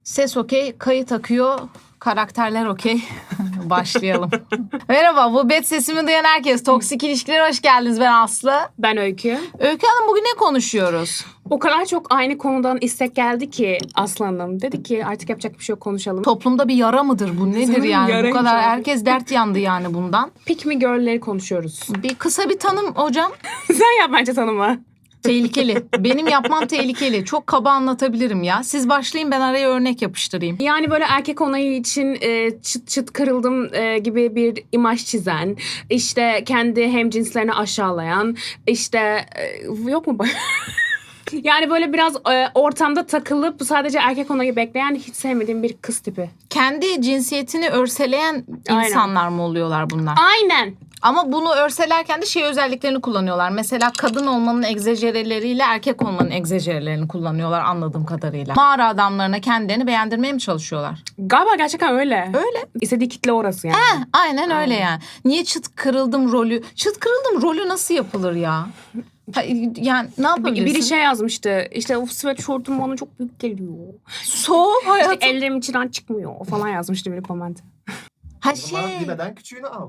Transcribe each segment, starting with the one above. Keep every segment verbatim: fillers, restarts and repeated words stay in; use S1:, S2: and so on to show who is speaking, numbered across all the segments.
S1: Ses okey, kayıt akıyor, karakterler okey. Başlayalım. Merhaba, bu bet sesimi duyan herkes. Toksik ilişkilere hoş geldiniz. Ben Aslı.
S2: Ben Öykü.
S1: Öykü Hanım, bugün ne konuşuyoruz?
S2: O kadar çok aynı konudan istek geldi ki Aslı Hanım. Dedi ki artık yapacak bir şey yok, konuşalım.
S1: Toplumda bir yara mıdır bu? Nedir
S2: Sanırım
S1: yani? Bu
S2: yaraymış
S1: kadar
S2: abi.
S1: herkes dert yandı yani bundan.
S2: Pick me girl'leri konuşuyoruz.
S1: Bir kısa bir tanım hocam.
S2: Sen yap bence tanımı.
S1: Tehlikeli. Benim yapmam tehlikeli. Çok kaba anlatabilirim ya. Siz başlayın, ben araya örnek yapıştırayım.
S2: Yani böyle erkek onayı için e, çıt çıt kırıldım e, gibi bir imaj çizen, işte kendi hemcinslerini aşağılayan, işte e, yok mu? Yani böyle biraz e, ortamda takılıp sadece erkek onayı bekleyen, hiç sevmediğim bir kız tipi.
S1: Kendi cinsiyetini örseleyen
S2: Aynen.
S1: insanlar mı oluyorlar bunlar?
S2: Aynen.
S1: Ama bunu örselerken de şey özelliklerini kullanıyorlar. Mesela kadın olmanın egzajereleriyle erkek olmanın egzajerelerini kullanıyorlar anladığım kadarıyla. Mağara adamlarına kendilerini beğendirmeye mi çalışıyorlar?
S2: Galiba gerçekten öyle.
S1: Öyle.
S2: İstediği kitle orası yani.
S1: Heh, aynen öyle yani. Niye çıt kırıldım rolü? Çıt kırıldım rolü nasıl yapılır ya? Ha, yani ne yapabilirsin?
S2: Biri şey yazmıştı. İşte o sweatshirt'um bana çok büyük geliyor.
S1: Soğuk hayatım.
S2: İşte ellerim içinden çıkmıyor falan yazmıştı biri koment.
S1: Ha
S3: O zaman
S1: şey.
S3: bilmeden küçüğünü al.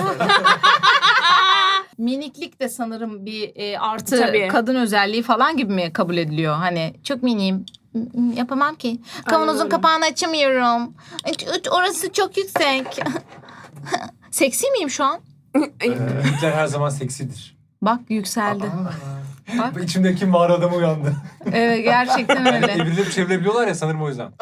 S1: Miniklik de sanırım bir e, artı
S2: Tabii.
S1: kadın özelliği falan gibi mi kabul ediliyor? Hani çok miniyim. Yapamam ki. Kavanozun
S2: öyle.
S1: kapağını açamıyorum. Orası çok yüksek. Seksi miyim şu an?
S4: Hitler her zaman seksidir.
S1: Bak yükseldi. Bak.
S4: Bu İçimdeki mağara adamı uyandı.
S1: Evet, gerçekten
S4: Yani
S1: öyle.
S4: evrilip çevirebiliyorlar ya sanırım o yüzden.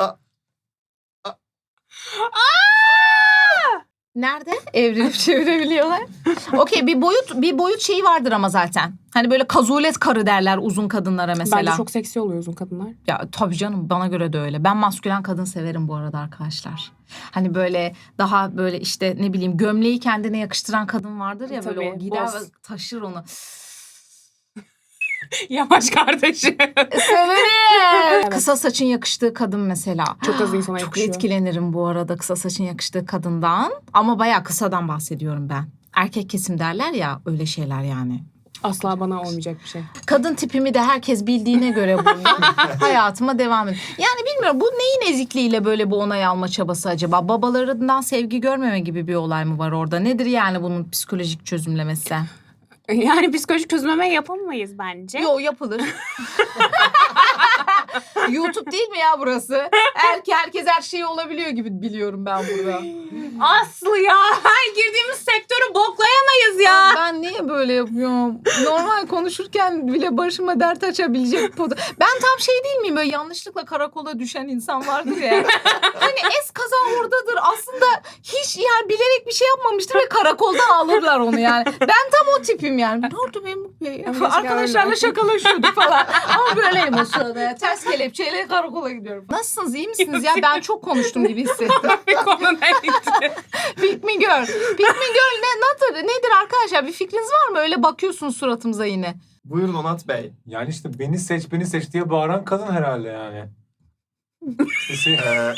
S1: Nerede? Evrilip çevirebiliyorlar. Okey, bir boyut bir boyut şeyi vardır ama zaten. Hani böyle kazulet karı derler uzun kadınlara mesela.
S2: Bence çok seksi oluyor uzun kadınlar.
S1: Ya tabii canım, bana göre de öyle. Ben maskülen kadın severim bu arada arkadaşlar. Hani böyle daha böyle işte ne bileyim gömleği kendine yakıştıran kadın vardır ya, böyle
S2: Tabii,
S1: o gider
S2: boss.
S1: ve taşır onu.
S2: Yavaş kardeşim.
S1: Severim. Kısa saçın yakıştığı kadın mesela.
S2: Çok az insana
S1: Çok
S2: yakışıyor.
S1: etkilenirim bu arada kısa saçın yakıştığı kadından. Ama bayağı kısadan bahsediyorum ben. Erkek kesim derler ya, öyle şeyler yani.
S2: Asla bana olmayacak bir şey.
S1: Kadın tipimi de herkes bildiğine göre bundan hayatıma devam ediyorum. Yani bilmiyorum, bu neyin ezikliğiyle böyle bu onay alma çabası acaba? Babalarından sevgi görmeme gibi bir olay mı var orada? Nedir yani bunun psikolojik çözümlemesi?
S2: Yani psikolojik çözümleme yapamayız bence.
S1: Yo, yapılır. YouTube değil mi ya burası? Erke herkes her şey olabiliyor gibi biliyorum ben burada.
S2: Aslı ya. Girdiğimiz sektörü boklayamayız ya.
S1: Ben niye böyle yapıyorum? Normal konuşurken bile başıma dert açabilecek podu. Ben tam şey değil miyim? Böyle yanlışlıkla karakola düşen insan vardır ya. Hani es kaza oradadır. Aslında hiç yani bilerek bir şey yapmamıştır ve karakoldan alırlar onu yani. Ben tam o tipim yani. Ne oldu Memuk Bey?
S2: Gerçekten
S1: Arkadaşlarla
S2: öyle.
S1: şakalaşıyorduk falan. Ama böyleyim o sırada ya. Ters kelepçeyle karakola gidiyorum. Nasılsınız? İyi misiniz ya? Ben çok konuştum gibi hissettim.
S2: Bir konuda gitti.
S1: Pick me girl. Pick me girl ne, nedir, nedir arkadaşlar? Bir fikriniz var mı? Öyle bakıyorsunuz suratımıza yine.
S3: Buyurun Onat Bey.
S4: Yani işte beni seç beni seç diye bağıran kadın herhalde yani. İşte şey-
S3: Ee,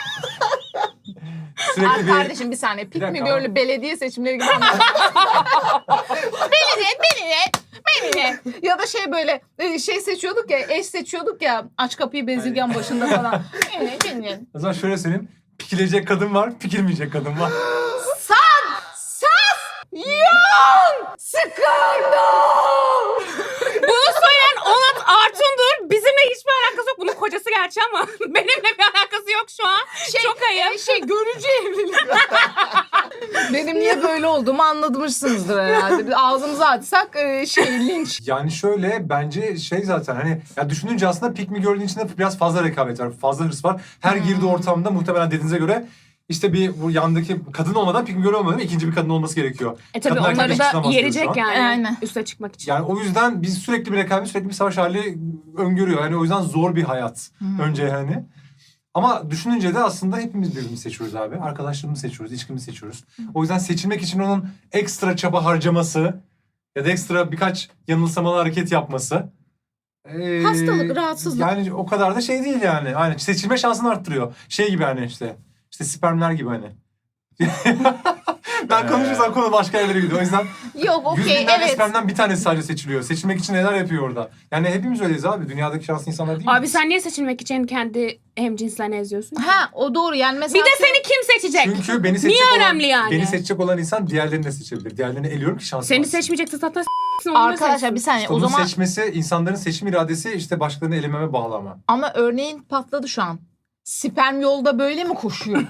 S4: sürekli
S1: Ay
S4: bir...
S1: kardeşim bir saniye. Pick me
S4: dakika
S1: girl'ü belediye seçimleri gibi anlatın. beni de, beni de, beni de. Ya da şey böyle e, şey seçiyorduk ya, eş seçiyorduk ya, aç kapıyı bezirgen başında falan. Beni, beni.
S4: O zaman şöyle söyleyeyim. Pikilecek kadın var, pikilmeyecek kadın var.
S1: San, sas, yan, skandal.
S2: Bunu söyleyen Onat Artun'dur. Bizimle hiçbir alakası yok. Bunun kocası gerçi ama benimle bir alakası yok şu an.
S1: Şey,
S2: Çok ayıp.
S1: e, şey görücü evlilik. Benim niye böyle olduğumu anlamışsınızdır herhalde. Biz ağzımızı açsak e, şey linç.
S4: Yani şöyle bence şey zaten hani ya düşününce aslında Pick Me Girl'ün içinde biraz fazla rekabet var. Fazla hırs var. Her girdiği ortamda muhtemelen dediğinize göre işte bir bu yandaki kadın olmadan Pick Me Girl olmadan ikinci bir kadın olması gerekiyor.
S2: E tabii
S4: Kadın erkek
S2: onları
S4: eşitlemez
S2: da
S4: diyor
S2: yerecek
S4: şu an.
S2: yani.
S1: Aynen.
S2: Üste çıkmak için.
S4: Yani o yüzden biz sürekli bir rekabet, sürekli bir savaş hali öngörüyor. Yani o yüzden zor bir hayat önce yani. Ama düşününce de aslında hepimiz birbirimizi seçiyoruz abi. Arkadaşlarımızı seçiyoruz, ilişkimizi seçiyoruz. O yüzden seçilmek için onun ekstra çaba harcaması ya da ekstra birkaç yanılsamalı hareket yapması. ee,
S1: Hastalık, rahatsızlık.
S4: Yani o kadar da şey değil yani. Aynen seçilme şansını arttırıyor. Şey gibi hani işte. İşte spermler gibi hani. Ben Sen konuşursan konu başka yerlere gidiyor. O yüzden
S1: Yok
S4: yüz
S1: okey
S4: bin tane
S1: evet.
S4: spermden bir tanesi sadece seçiliyor. Seçilmek için neler yapıyor orada? Yani hepimiz öyleyiz abi. Dünyadaki şanslı insanlar değil
S2: Abi
S4: miyiz?
S2: sen niye seçilmek için kendi hemcinslerini eziyorsun?
S1: Ha o doğru yani mesela.
S2: Bir de seni kim seçecek?
S4: Çünkü beni seçecek
S2: Niye
S4: olan,
S2: önemli yani?
S4: Beni seçecek olan insan diğerlerini de seçebilir. Diğerlerini eliyorum ki şansım
S2: Seni
S4: artsın.
S2: seçmeyecekse zaten s**sin, onu da
S1: Arkadaşlar
S2: seçsin.
S1: bir saniye
S4: İşte
S1: o
S4: onun
S1: zaman
S4: seçmesi, insanların seçim iradesi işte başkalarını elememe bağlı ama.
S1: ama örneğin patladı şu an. Sperm yolda böyle mi koşuyor?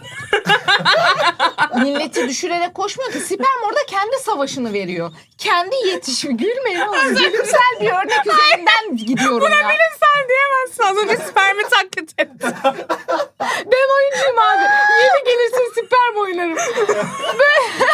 S1: Milleti düşürerek koşmuyor ki. Sperm orada kendi savaşını veriyor. Kendi yetişiyor. Gülmeyin oğlum. Bilimsel bir örnek üzerinden gidiyorum ya.
S2: Sen diyemezsin. Az önce spermi taklit ettin.
S1: Ben oyuncuyum abi. Yeni gelirsin sperm oynarım. Böyle...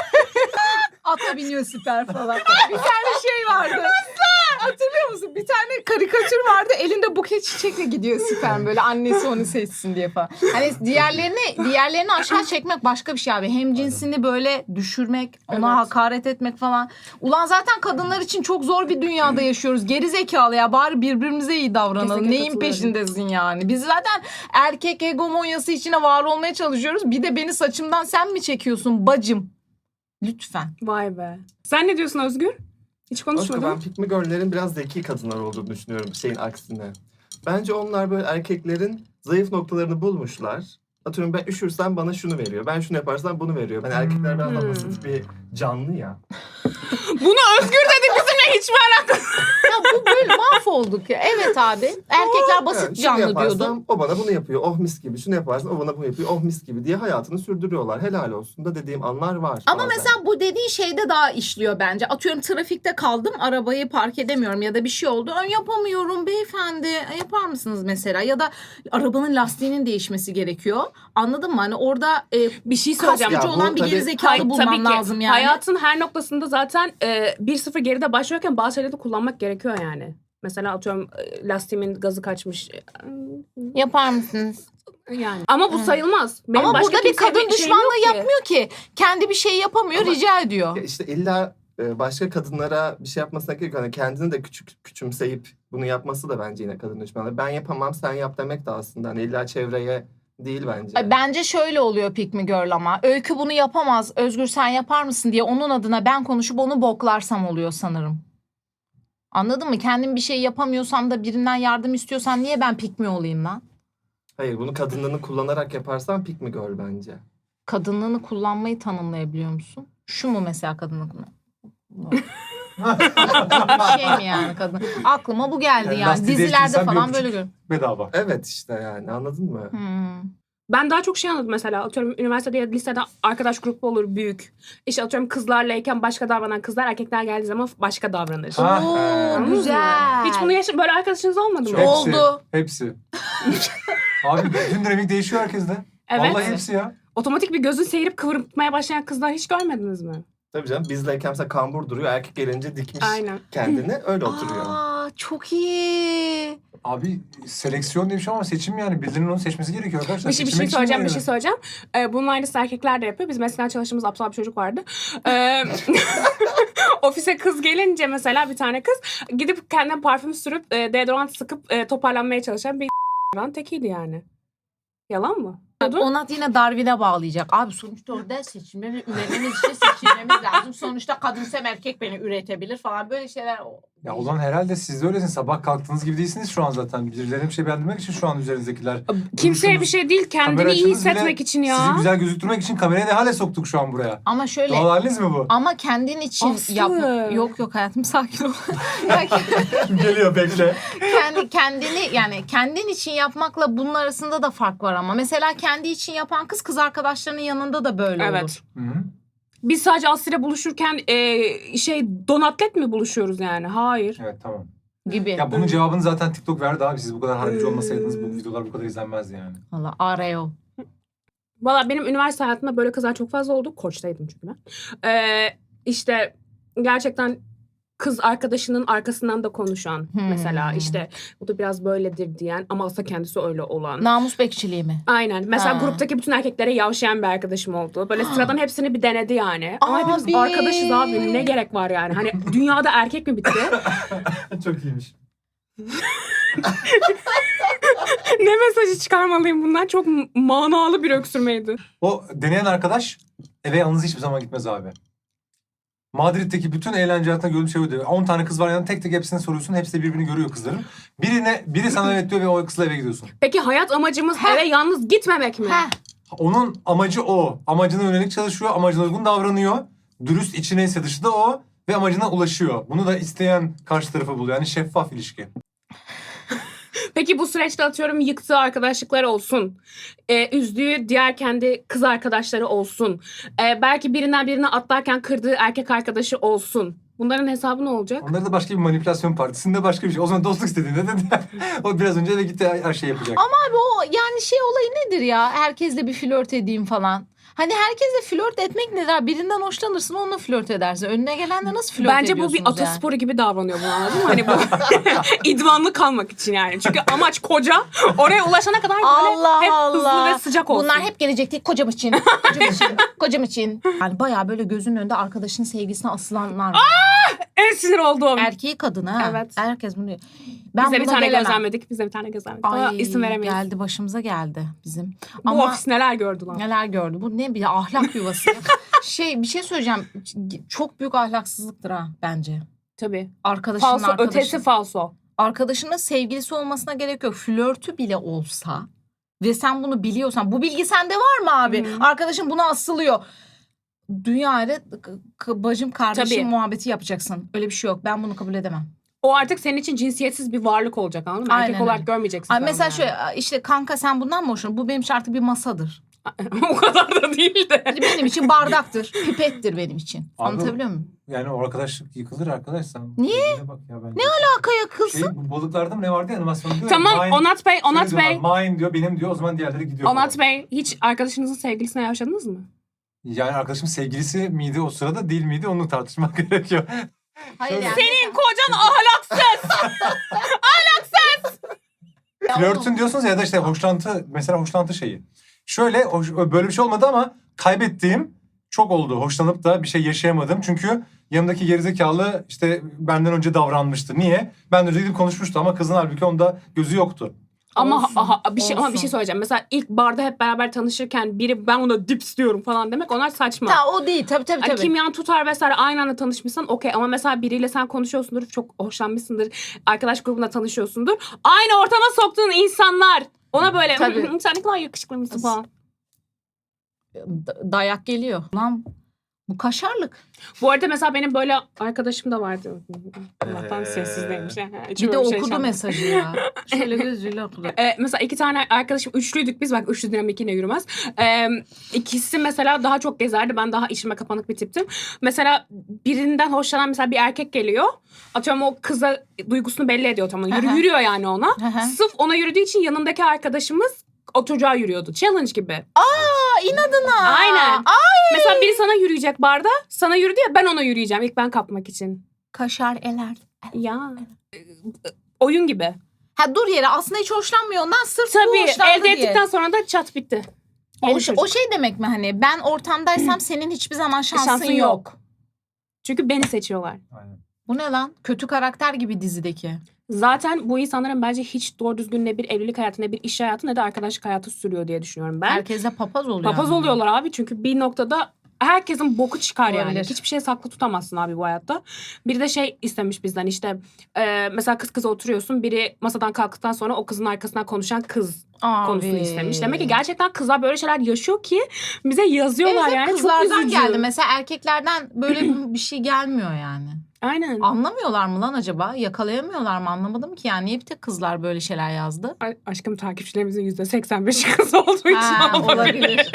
S1: Ata biniyor sperm falan. Bir tane şey vardı. Hatırlıyor musun? Bir tane karikatür vardı. Elinde buket çiçekle gidiyor sperm böyle. Annesi onu seçsin diye falan. Hani diğerlerini diğerlerini aşağı çekmek başka bir şey abi. Hem cinsini böyle düşürmek, ona
S2: Evet.
S1: hakaret etmek falan. Ulan zaten kadınlar için çok zor bir dünyada yaşıyoruz. Geri zekalı ya. Bari birbirimize iyi davranalım.
S2: Kesinlikle
S1: Neyin
S2: katılıyorum.
S1: peşindesin yani? Biz zaten erkek egomonyası içine var olmaya çalışıyoruz. Bir de beni saçımdan sen mi çekiyorsun bacım? Lütfen.
S2: Vay be. Sen ne diyorsun Özgür? Hiç
S3: Aşkım
S2: konuşmadın.
S3: ben pick me girl'lerin biraz zeki kadınlar olduğunu düşünüyorum şeyin aksine. Bence onlar böyle erkeklerin zayıf noktalarını bulmuşlar. Atıyorum ben üşürsem bana şunu veriyor. Ben şunu yaparsam bunu veriyor. Ben erkekler biraz daha
S2: Hmm.
S3: basit bir canlı ya.
S2: Bunu Özgür dedi, bizimle hiçbir alakası.
S1: Ya bu böyle mahvolduk ya. Evet abi. Erkekler basit
S3: Evet, şunu
S1: canlı
S3: yaparsam
S1: diyordum.
S3: o bana bunu yapıyor. Oh mis gibi. Şunu yaparsam o bana bunu yapıyor. Oh mis gibi diye hayatını sürdürüyorlar. Helal olsun da dediğim anlar var.
S1: Ama
S3: bazen.
S1: mesela bu dediğin şeyde daha işliyor bence. Atıyorum trafikte kaldım, arabayı park edemiyorum ya da bir şey oldu. Ön yapamıyorum beyefendi. E, Yapar mısınız mesela? Ya da arabanın lastiğinin değişmesi gerekiyor. Anladın mı? Hani orada e,
S2: Bir şey söyleyeceğim.
S1: kasıcı
S3: Ya bu
S1: olan bir
S3: tabii-
S1: gerizekalı
S2: Hayır,
S1: bulmam
S2: tabii ki.
S1: lazım yani.
S2: Hayatın her noktasında zaten e, bir sıfır geride başlıyorken bazı şeyleri de kullanmak gerekiyor yani. Mesela atıyorum e, lastiğimin gazı kaçmış. E,
S1: Yapar mısınız?
S2: Yani. Ama bu sayılmaz. Benim
S1: Ama
S2: başka
S1: burada bir
S2: kimseye
S1: kadın
S2: şeyim
S1: düşmanlığı
S2: yok ki.
S1: yapmıyor ki. Kendi bir şey yapamıyor,
S3: Ama-
S1: rica ediyor.
S3: Ya İşte illa e, başka kadınlara bir şey yapmasına gerek yok. Hani kendini de küçük küçümseyip bunu yapması da bence yine kadın düşmanlığı. Ben yapamam sen yap demek de aslında. Hani illa çevreye değil bence.
S1: Ay, Bence şöyle oluyor Pick Me Girl ama. Öykü bunu yapamaz. Özgür sen yapar mısın diye onun adına ben konuşup onu boklarsam oluyor sanırım. Anladın mı? Kendim bir şey yapamıyorsam da birinden yardım istiyorsan niye ben Pick Me olayım lan?
S3: Hayır bunu kadınlığını kullanarak yaparsan pick me girl bence.
S1: Kadınlığını kullanmayı tanımlayabiliyor musun? Şu mu mesela kadınlık mı? Bir şey mi yani kadın? Aklıma bu geldi
S4: Yani
S1: yani.
S4: lastiği
S1: Dizilerde
S4: değiştirirsen bir
S1: falan
S4: öpücük.
S1: böyle görüyorum.
S4: Bedava.
S3: Evet işte yani anladın mı?
S1: Hmm.
S2: Ben daha çok şey anladım mesela. Atıyorum üniversitede ya da lisede arkadaş grubu olur büyük. İşte atıyorum kızlarlayken başka davranan kızlar, erkekler geldiği zaman başka davranır.
S4: Ha,
S1: Oo,
S4: he.
S2: Anladınız mı?
S1: güzel.
S2: Hiç bunu yaşa böyle arkadaşınız olmadı mı?
S3: Çok.
S4: Hepsi,
S1: Oldu.
S4: Hepsi. Abi bütün dinamik değişiyor herkeste.
S2: Evet.
S4: Vallahi hepsi ya.
S2: Otomatik bir gözün seyirip kıvırmaya başlayan kızlar hiç görmediniz mi?
S3: Tabii canım bizleyken mesela kambur duruyor. Erkek gelince dikmiş
S2: Aynen.
S3: kendini öyle oturuyor.
S1: Aa, çok iyi.
S4: Abi seleksiyon diye bir şey ama seçim yani. Birilerinin onu seçmesi gerekiyor arkadaşlar.
S2: Bir şey, bir şey
S4: Seçilmek için
S2: söyleyeceğim, bir
S4: yani.
S2: şey söyleyeceğim. Ee, bunun aynısı erkekler de yapıyor. Biz mesela çalıştığımız aptal bir çocuk vardı. Ee, ofise kız gelince mesela bir tane kız gidip kendine parfüm sürüp e, deodorant sıkıp e, toparlanmaya çalışan bir tekiydi yani. Yalan mı?
S1: Onat yine Darwin'e bağlayacak. Abi sonuçta orada seçilmemiz, üretmemiz için seçilmemiz lazım. Sonuçta kadınsam erkek beni üretebilir falan böyle şeyler.
S4: Ya ulan herhalde siz de öylesiniz. Sabah kalktığınız gibi değilsiniz şu an zaten. Birilerine bir şey beğendirmek için şu an üzerinizdekiler.
S2: Kimseye
S4: duruşunuz,
S2: bir şey değil, kendini
S4: kamera
S2: iyi
S4: açınız bile
S2: hissetmek için ya.
S4: Sizi güzel gözüktürmek için kamerayı ne hale soktuk şu an buraya.
S1: Ama şöyle
S4: Doğal haliniz mi bu?
S1: ama kendin için
S2: Aslı.
S1: yap. Yok yok hayatım sakin ol. Ya
S3: Geliyor bekle.
S1: kendi kendini yani kendin için yapmakla bunun arasında da fark var ama. Mesela kendi için yapan kız kız arkadaşlarının yanında da böyle
S2: Evet.
S1: olur.
S4: Hı-hı.
S2: Biz sadece Aslı'yla buluşurken e, şey donatlet mi buluşuyoruz yani? Hayır.
S4: Evet tamam.
S1: Gibi.
S4: Ya bunun cevabını zaten TikTok verdi abi. Siz bu kadar harbici olmasaydınız bu videolar bu kadar izlenmezdi yani.
S1: Valla areo.
S2: Valla benim üniversite hayatımda böyle kızlar çok fazla oldu. Koç'taydım çünkü ben. Ee, işte gerçekten kız arkadaşının arkasından da konuşan
S1: Hmm.
S2: mesela işte bu da biraz böyledir diyen ama aslında kendisi öyle olan.
S1: Namus bekçiliği mi?
S2: Aynen. Mesela
S1: Ha.
S2: gruptaki bütün erkeklere yavşayan bir arkadaşım oldu. Böyle sıradan hepsini bir denedi yani. Ama hepimiz
S1: Abi.
S2: arkadaşız abi. Ne gerek var yani? Hani dünyada erkek mi bitti?
S3: Çok iyiymiş.
S2: Ne mesajı çıkarmalıyım bundan? Çok manalı bir öksürmeydi.
S4: O deneyen arkadaş eve yalnız hiçbir zaman gitmez abi. Madrid'deki bütün eğlence hayatında gördüğüm şey oydu. on tane kız var yanında, tek tek hepsine soruyorsun. Hepsi de birbirini görüyor kızların. Birine, biri sana evet diyor ve o kızla eve gidiyorsun.
S2: Peki hayat amacımız
S1: Heh.
S2: eve yalnız gitmemek mi?
S1: Heh.
S4: Onun amacı o. Amacına yönelik çalışıyor, amacına uygun davranıyor. Dürüst, içi neyse dışı da o. Ve amacına ulaşıyor. Bunu da isteyen karşı tarafı buluyor. Yani şeffaf ilişki.
S2: Peki bu süreçte atıyorum yıktığı arkadaşlıklar olsun. Ee, üzdüğü diğer kendi kız arkadaşları olsun. Ee, belki birinden birine atlarken kırdığı erkek arkadaşı olsun. Bunların hesabı ne olacak?
S4: Onları da başka bir manipülasyon partisinde başka bir şey. O zaman dostluk istediğinde de o biraz önce eve gitti her şey yapacak.
S1: Ama abi o yani şey olayı nedir ya? Herkesle bir flört edeyim falan. Hani herkesle flört etmek nedir abi? Birinden hoşlanırsın onunla flört edersin. Önüne gelenle nasıl flört
S2: Bence bu
S1: ediyorsunuz
S2: bir atasporu gibi davranıyor bu, anladın mı? Hani bu idmanlı kalmak için yani. Çünkü amaç koca. Oraya ulaşana kadar böyle
S1: Allah
S2: hep
S1: Allah.
S2: hızlı ve sıcak olsun.
S1: Bunlar hep gelecek değil kocam için. Kocam için. Kocam için. Yani bayağı böyle gözünün önünde arkadaşının sevgilisine asılanlar var.
S2: en sinir olduğum.
S1: Erkeği kadını ha.
S2: Evet.
S1: Herkes bunu diyor. Ben
S2: Bize bir
S1: buna
S2: tane
S1: gelemem.
S2: gözlemledik. Bize bir tane gözlemledik. Ama
S1: Ay,
S2: isim veremeyiz.
S1: geldi başımıza geldi bizim.
S2: Bu
S1: Ama
S2: ofis neler gördü lan.
S1: neler gördü. Bu ne bir ahlak yuvası. şey bir şey söyleyeceğim. Çok büyük ahlaksızlıktır ha bence.
S2: Tabii.
S1: Arkadaşının
S2: Falso,
S1: arkadaşı.
S2: ötesi falso.
S1: Arkadaşının sevgilisi olmasına gerek yok. Flörtü bile olsa ve sen bunu biliyorsan, bu bilgi sende var mı abi?
S2: Hı.
S1: Arkadaşın buna asılıyor. Dünya ile k- k- bacım kardeşim
S2: Tabii.
S1: muhabbeti yapacaksın. Öyle bir şey yok. Ben bunu kabul edemem.
S2: O artık senin için cinsiyetsiz bir varlık olacak, anladın mı?
S1: Aynen
S2: Erkek olarak
S1: öyle.
S2: görmeyeceksin.
S1: Ay
S2: sen
S1: mesela
S2: bunu
S1: şöyle işte kanka sen bundan mı hoşlanıyorsun? Bu benim için artık bir masadır.
S2: yani. O kadar da değil de.
S1: Benim için bardaktır. Pipettir benim için.
S4: Abi,
S1: Anlatabiliyor muyum?
S4: Yani o arkadaşlık yıkılır arkadaş sen.
S1: Niye?
S4: Bak ya ben
S1: Ne alakaya kılsın?
S4: Şey, bu balıklarda mı ne vardı ya animasyon diyor ya,
S2: Tamam
S4: mine-
S2: Onat Bey, Onat
S4: şöyle
S2: Bey.
S4: diyorlar, mine diyor benim diyor o zaman diğerleri gidiyor
S2: Onat
S4: falan.
S2: Bey, hiç arkadaşınızın sevgilisine yaşadınız mı?
S4: Yani arkadaşım sevgilisi miydi o sırada değil miydi onu tartışmak gerekiyor.
S1: Hayır
S4: Şöyle-
S1: yani.
S2: Senin kocan ahlaksız.
S1: Ya
S4: Flörtün
S1: oğlum,
S4: diyorsunuz ya da işte hoşlantı mesela hoşlantı şeyi. Şöyle hoş- böyle bir şey olmadı ama kaybettiğim çok oldu. Hoşlanıp da bir şey yaşayamadım. Çünkü yanımdaki gerizekalı işte benden önce davranmıştı. Niye? Ben de önce gidip konuşmuştu ama kızın halbuki onda gözü yoktu.
S2: Ama
S1: Olsun,
S2: aha, bir şey ama bir
S1: olsun.
S2: şey söyleyeceğim. Mesela ilk barda hep beraber tanışırken biri ben ona dips diyorum falan demek, onlar saçma.
S1: Ta, o değil tabii tabii
S2: Hani
S1: tabii.
S2: kimyan tutar vesaire, aynı anda tanışmışsan okey, ama mesela biriyle sen konuşuyorsundur, çok hoşlanmışsındır, arkadaş grubunda tanışıyorsundur. Aynı ortama soktuğun insanlar ona böyle
S1: Tabii.
S2: sen ne kadar yakışıklıymışsın falan.
S1: Da- dayak geliyor. Lan bu kaşarlık.
S2: Bu arada mesela benim böyle arkadaşım da vardı. Allah'tan
S3: Ee,
S2: sessizdeymiş. Hiç
S1: Bir de
S2: böyle şey
S1: okudu
S2: yaşanmadı.
S1: mesajı ya. Şöyle gözüyle okudu.
S2: Ee, mesela iki tane arkadaşım, üçlüydük biz, bak üçlü dinamik yine yürümez. Ee, ikisi mesela daha çok gezerdi, ben daha içime kapanık bir tiptim. Mesela birinden hoşlanan mesela bir erkek geliyor. Atıyorum o kıza duygusunu belli ediyor, tamam. Yürü,
S1: Hı hı.
S2: yürüyor yani ona.
S1: Hı hı.
S2: Sırf ona yürüdüğü için yanındaki arkadaşımız o çocuğa yürüyordu. Challenge gibi.
S1: Aa inadına.
S2: Aynen.
S1: Ay.
S2: Mesela biri sana yürüyecek barda, sana yürüdü ya, ben ona yürüyeceğim ilk ben kapmak için.
S1: Kaşar eler.
S2: Ya. Oyun gibi.
S1: Ha dur yere aslında hiç hoşlanmıyor ondan sırf bu
S2: Tabii
S1: hoşlandı
S2: elde
S1: diye.
S2: ettikten sonra da çat bitti.
S1: O,
S2: Yeni
S1: şey-
S2: çocuk.
S1: o şey demek mi hani ben ortamdaysam senin hiçbir zaman şansın,
S2: Şansın
S1: yok.
S2: yok. Çünkü beni seçiyorlar.
S4: Aynen.
S1: Bu ne lan? Kötü karakter gibi dizideki.
S2: Zaten bu insanların bence hiç doğru düzgün ne bir evlilik hayatı, ne bir iş hayatı, ne de arkadaşlık hayatı sürüyor diye düşünüyorum ben.
S1: Herkese papaz oluyor.
S2: Papaz
S1: ama.
S2: oluyorlar abi, çünkü bir noktada herkesin boku çıkar yani.
S1: Olabilir.
S2: Hiçbir şey saklı tutamazsın abi bu hayatta. Biri de şey istemiş bizden işte e, mesela kız kıza oturuyorsun, biri masadan kalktıktan sonra o kızın arkasından konuşan kız
S1: Abi.
S2: konusunu istemiş. Demek ki gerçekten kızlar böyle şeyler yaşıyor ki bize yazıyorlar
S1: Evet,
S2: yani. Çok
S1: kızlardan
S2: üzücü.
S1: geldi. Mesela erkeklerden böyle bir şey gelmiyor yani.
S2: Aynen.
S1: Anlamıyorlar mı lan acaba? Yakalayamıyorlar mı? Anlamadım ki yani. Niye bir tek kızlar böyle şeyler yazdı?
S2: A- Aşkım takipçilerimizin yüzde seksen beşi kız olduğu için
S1: Ha,
S2: olabilir.
S1: olabilir.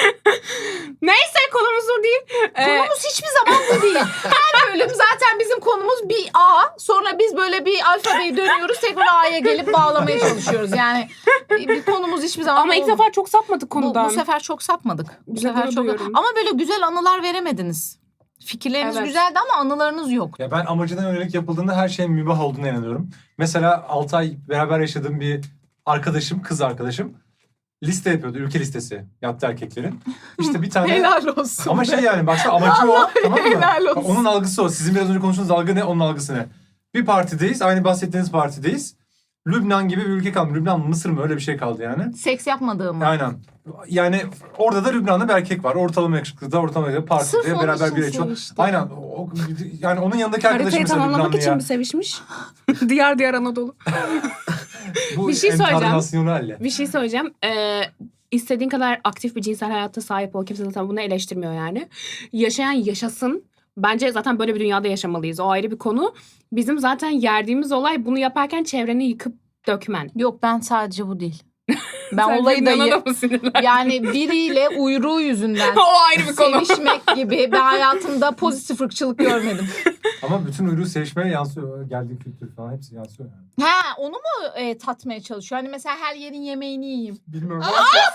S2: Neyse, konumuz bu değil. Ee,
S1: Konumuz hiçbir zaman bu değil. Her bölüm zaten bizim konumuz bir A. Sonra biz böyle bir alfabeyi dönüyoruz. Tekrar A'ya gelip bağlamaya çalışıyoruz. Yani bir konumuz hiçbir zaman
S2: ama ilk
S1: bu-
S2: sefer çok sapmadık
S1: bu,
S2: konudan.
S1: bu sefer çok sapmadık. Bu
S2: Bize
S1: sefer
S2: gurur
S1: çok
S2: duyuyorum.
S1: ama böyle güzel anılar veremediniz. Fikirleriniz
S2: Evet.
S1: güzeldi ama anılarınız yok.
S4: Ya ben amacına yönelik yapıldığında her şeyin mübah olduğuna inanıyorum. Mesela altı ay beraber yaşadığım bir arkadaşım, kız arkadaşım liste yapıyordu. Ülke listesi yaptı erkeklerin. İşte bir tane...
S1: Helal olsun.
S4: Ama şey yani baksana amacı o, tamam mı?
S1: helal olsun.
S4: Bak, onun algısı o. Sizin biraz önce konuştuğunuz algı ne? Onun algısı ne? Bir partideyiz. Aynı bahsettiğiniz partideyiz. Lübnan gibi bir ülke kaldı. Lübnan mı Mısır mı öyle bir şey kaldı yani.
S1: Seks yapmadığım.
S4: Aynen. Yani orada da Lübnan'da bir erkek var. Ortalama yakışıklı da ortalama yakışıklı.
S1: Sırf
S4: Partide
S1: onun
S4: beraber
S1: için
S4: bir içiyor.
S1: sevişti.
S4: Aynen. O, yani onun yanındaki arkadaşım
S2: Haritayı
S4: mesela
S2: tamamlamak
S4: Lübnanlı
S2: için
S4: ya.
S2: mi sevişmiş? Diyar diyar Anadolu.
S4: Bu
S2: Bir şey söyleyeceğim.
S4: internasyonel.
S2: Bir şey söyleyeceğim. Ee, istediğin kadar aktif bir cinsel hayata sahip ol. Kimse zaten bunu eleştirmiyor yani. Yaşayan yaşasın. Bence zaten böyle bir dünyada yaşamalıyız. O ayrı bir konu. Bizim zaten yerdiğimiz olay bunu yaparken çevreni yıkıp dökmen.
S1: Yok ben sadece bu değil. Ben
S2: Sen
S1: olayı da
S2: Lübnan'a
S1: ye-
S2: mı sinirlendin?
S1: yani biriyle uyruğu yüzünden
S2: O ayrı bir konu.
S1: sevişmek gibi ben hayatımda pozitif ırkçılık görmedim.
S4: Ama bütün uyruğu sevişmeye yansıyor. Geldiği kültür falan hepsi yansıyor yani.
S1: Ha onu mu e, tatmaya çalışıyor? Hani mesela her yerin yemeğini yiyeyim.
S4: Bilmiyorum.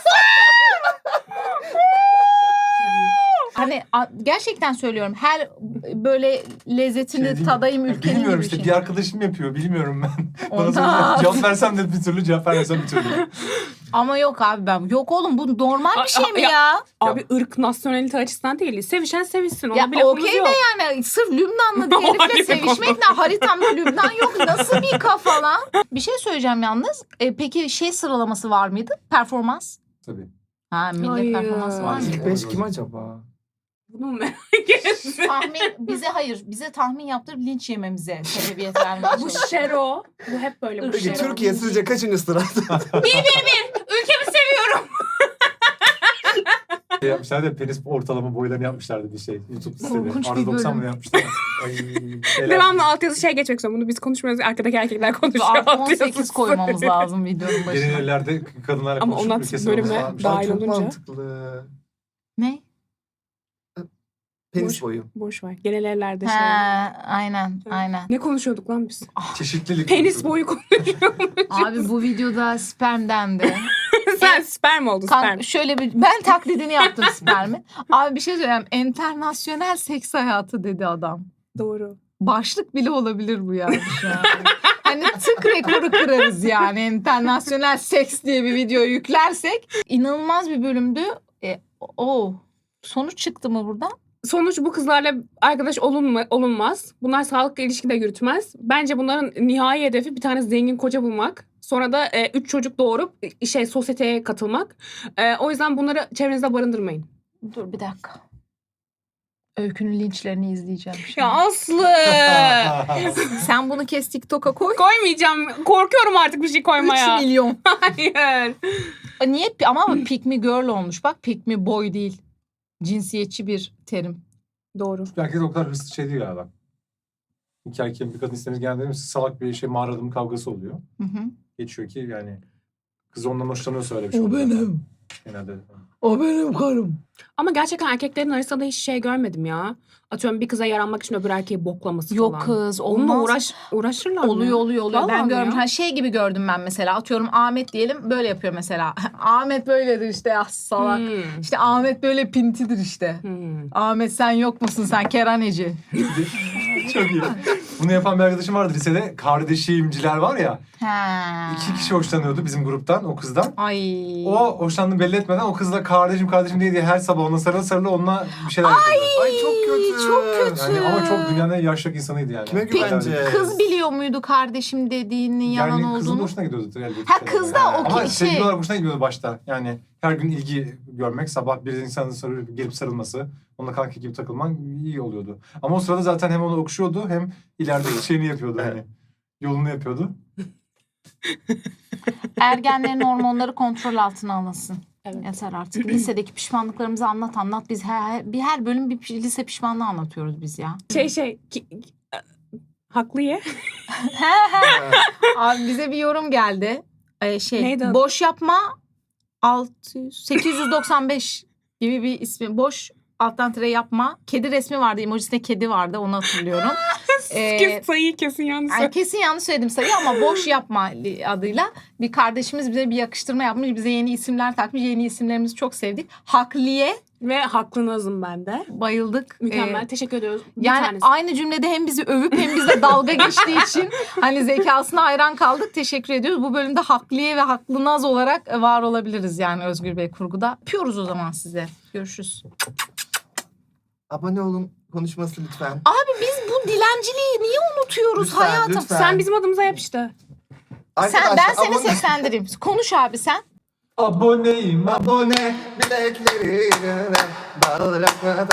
S1: Hani a- gerçekten söylüyorum her böyle lezzetini
S4: Şey değil mi?
S1: tadayım
S4: Ya
S1: ülkenin
S4: bilmiyorum
S1: gibi
S4: işte
S1: şey.
S4: bir arkadaşım yapıyor. Bilmiyorum ben. Bana
S1: Ondan.
S4: soracak. Cevap versem de bir türlü, cevap vermesem bir türlü.
S1: Ama yok abi ben. Yok oğlum bu normal
S2: A-
S1: bir şey mi
S2: ya-
S1: ya?
S2: Abi ırk, nasyonalite açısından değil. Sevişen sevişsin. Ona
S1: Ya
S2: bile lafımız
S1: okey de
S2: yok.
S1: yani sırf Lübnanlı bir
S2: O ayrı
S1: herifle
S2: bir
S1: sevişmek ne? Haritamda Lübnan yok. Nasıl bir kafa lan? Bir şey söyleyeceğim yalnız. E, peki şey sıralaması var mıydı? Performans.
S4: Tabii.
S1: Ha millet
S2: Hayır.
S1: performansı var mı?
S4: Maalesef.
S3: İlk beş kim acaba?
S2: Bunu mu merak ettin?
S1: Tahmin bize hayır. Bize tahmin yaptırıp linç yememize sebebiyet vermeye
S2: Bu
S1: çalışıyor.
S2: Şero. Bu hep böyle. Bu
S1: Peki,
S3: Peki
S2: Şero.
S3: Türkiye sizce kaçıncı sırada?
S2: Ülkemi seviyorum.
S4: Şey yapmışlar da penis ortalama boylarını yapmışlardı bir şey. YouTube
S1: Korkunç
S4: sitede.
S1: bir
S4: Arda doksan
S1: bölüm.
S4: mı yapmışlar? Ay, şeyler-
S2: Devamlı altyazı şey geçmek zorunda. Bunu biz konuşmuyoruz. Arkadaki erkekler konuşuyor.
S1: Artı on
S2: altyazısı.
S1: sekiz koymamız lazım videonun
S4: Yeni
S1: başına.
S4: yerlerde kadınlarla
S2: Ama
S4: konuşup
S2: ondan
S4: ülke
S2: bölümüne
S4: sıralaması varmış.
S2: dahil
S3: Ay, çok
S2: olunca.
S3: mantıklı.
S1: Ne?
S3: Penis
S2: Boş-
S3: boyu.
S2: Boş ver. Genel evlerde
S1: He,
S2: şey.
S1: aynen aynen.
S2: Ne konuşuyorduk lan biz?
S4: Çeşitlilik.
S2: Penis
S4: konuşuyordu.
S2: boyu konuşuyormuş.
S1: Abi bu videoda sperm dendi.
S2: Sen sperm oldun
S1: Kan-
S2: sperm.
S1: şöyle bir ben taklidini yaptım spermi. Abi bir şey söyleyeyim. Enternasyonel seks hayatı dedi adam.
S2: Doğru.
S1: Başlık bile olabilir bu yani şu an. Hani tık rekoru kırarız yani. Enternasyonel seks diye bir video yüklersek. İnanılmaz bir bölümdü. E, o sonuç çıktı mı buradan?
S2: Sonuç bu kızlarla arkadaş olunma, olunmaz. Bunlar sağlıklı ilişki de yürütmez. Bence bunların nihai hedefi bir tane zengin koca bulmak. Sonra da e, üç çocuk doğurup e, şey sosyeteye katılmak. E, o yüzden bunları çevrenizde barındırmayın.
S1: Dur bir dakika. Öykünün linçlerini izleyeceğim şimdi.
S2: Ya Aslı!
S1: Sen bunu kes TikTok'a koy.
S2: Koymayacağım. Korkuyorum artık bir şey koymaya.
S1: üç milyon.
S2: Hayır.
S1: Niye? Ama pick me girl olmuş. Bak pick me boy değil. Cinsiyetçi bir terim.
S2: Doğru.
S4: Herkes o kadar hırslı şey değil galiba. İki erkeğin bir kadın istemeniz geldiğinde salak bir şey mağara adamı kavgası oluyor.
S1: Hı hı.
S4: Geçiyor ki yani kız ondan hoşlanıyorsa öyle bir şey
S1: O
S4: oluyor.
S1: benim.
S4: Genelde.
S1: O benim karım.
S2: Ama gerçekten erkeklerin arasında hiç şey görmedim ya. Atıyorum bir kıza yaranmak için öbür erkeği boklaması
S1: Yok
S2: falan.
S1: kız
S2: Onunla
S1: olmaz.
S2: uğraş, uğraşırlar mı?
S1: Oluyor oluyor oluyor.
S2: Vallahi
S1: Ben
S2: mi
S1: görmüş.
S2: ya?
S1: Ha, şey gibi gördüm ben mesela. Atıyorum Ahmet diyelim böyle yapıyor mesela. Ahmet böyledir işte ya salak.
S2: Hmm.
S1: İşte Ahmet böyle pintidir işte.
S2: Hmm.
S1: Ahmet sen yok musun sen keraneci.
S4: Çok iyi. Bunu yapan bir arkadaşım vardı lisede. Kardeşimciler var ya.
S1: Ha.
S4: İki kişi hoşlanıyordu bizim gruptan, o kızdan.
S1: Ay.
S4: O hoşlandığını belli etmeden o kızla kardeşim kardeşim diye, diye her sabah ona sarılı sarılı onunla bir şeyler yapıyordu.
S3: Ay çok kötü.
S1: çok kötü.
S4: Yani ama çok dünyanın en yaşlı insanıydı yani.
S3: Kime
S1: Peki,
S3: güveneceğiz?
S1: Kız biliyor muydu kardeşim dediğinin yalan
S4: Yani kızın
S1: olduğunu?
S4: hoşuna gidiyordu. elbette.
S1: Ha, kız da
S4: Yani.
S1: o
S4: Ama
S1: ki-
S4: sevgili
S1: şey-
S4: olarak hoşuna gidiyordu başta. Yani her gün ilgi görmek, sabah bir insanın sarı, gelip sarılması, onunla kanka gibi takılman iyi oluyordu. Ama o sırada zaten hem onu okşuyordu hem ileride şeyini yapıyordu hani. Yolunu yapıyordu.
S1: Ergenlerin hormonları kontrol altına alınsın.
S2: Evet.
S1: Yeter artık. Lisedeki pişmanlıklarımızı anlat anlat. Biz her, bir her bölüm bir pi- lise pişmanlığı anlatıyoruz biz ya.
S2: Şey şey ki, haklı ye.
S1: Abi bize bir yorum geldi. Ee, şey
S2: Neydi adı?
S1: boş yapma altı yüz sekiz yüz doksan beş gibi bir ismi. Boş alttan tire yapma. Kedi resmi vardı. Emojisinde kedi vardı. Onu hatırlıyorum. Ee,
S2: Kes sayıyı kesin yanlış.
S1: Yani kesin yanlış söyledim sayı ama boş yapma adıyla bir kardeşimiz bize bir yakıştırma yapmış. Bize yeni isimler takmış. Yeni isimlerimizi çok sevdik. Hakliye
S2: Ve haklınızım ben de.
S1: bayıldık.
S2: Mükemmel.
S1: Ee,
S2: Teşekkür ediyoruz. Bir
S1: yani
S2: tanesi.
S1: aynı cümlede hem bizi övüp hem bize dalga geçtiği için hani zekasına hayran kaldık. Teşekkür ediyoruz. Bu bölümde Hakliye ve Haklınaz olarak var olabiliriz yani Özgür Bey kurguda. Öpüyoruz o zaman size. Görüşürüz.
S3: Abone olun konuşması lütfen.
S1: Abi biz bu dilenciliği niye unutuyoruz
S3: Lütfen,
S1: hayatım?
S3: lütfen.
S2: Sen bizim adımıza yap işte.
S1: Sen, ben seni
S3: abone-
S1: seslendireyim. Konuş abi sen.
S4: Aboneyim.
S3: Abone bileklerine bağlanmadan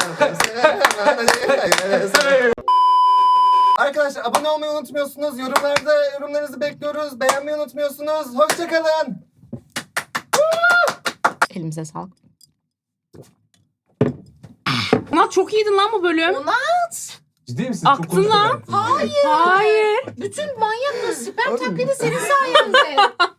S3: Arkadaşlar abone olmayı unutmuyorsunuz. Yorumlarda yorumlarınızı bekliyoruz. Beğenmeyi unutmuyorsunuz. Hoşçakalın.
S1: Elimize sağlık.
S2: Ama çok iyiydin lan bu bölüm.
S1: Onat.
S4: Ciddi misin?
S2: Aktın
S4: Çok konuştuk
S2: lan.
S4: hayatım.
S1: Hayır.
S2: Hayır.
S1: Bütün manyakla sperm taklidi senin sayende.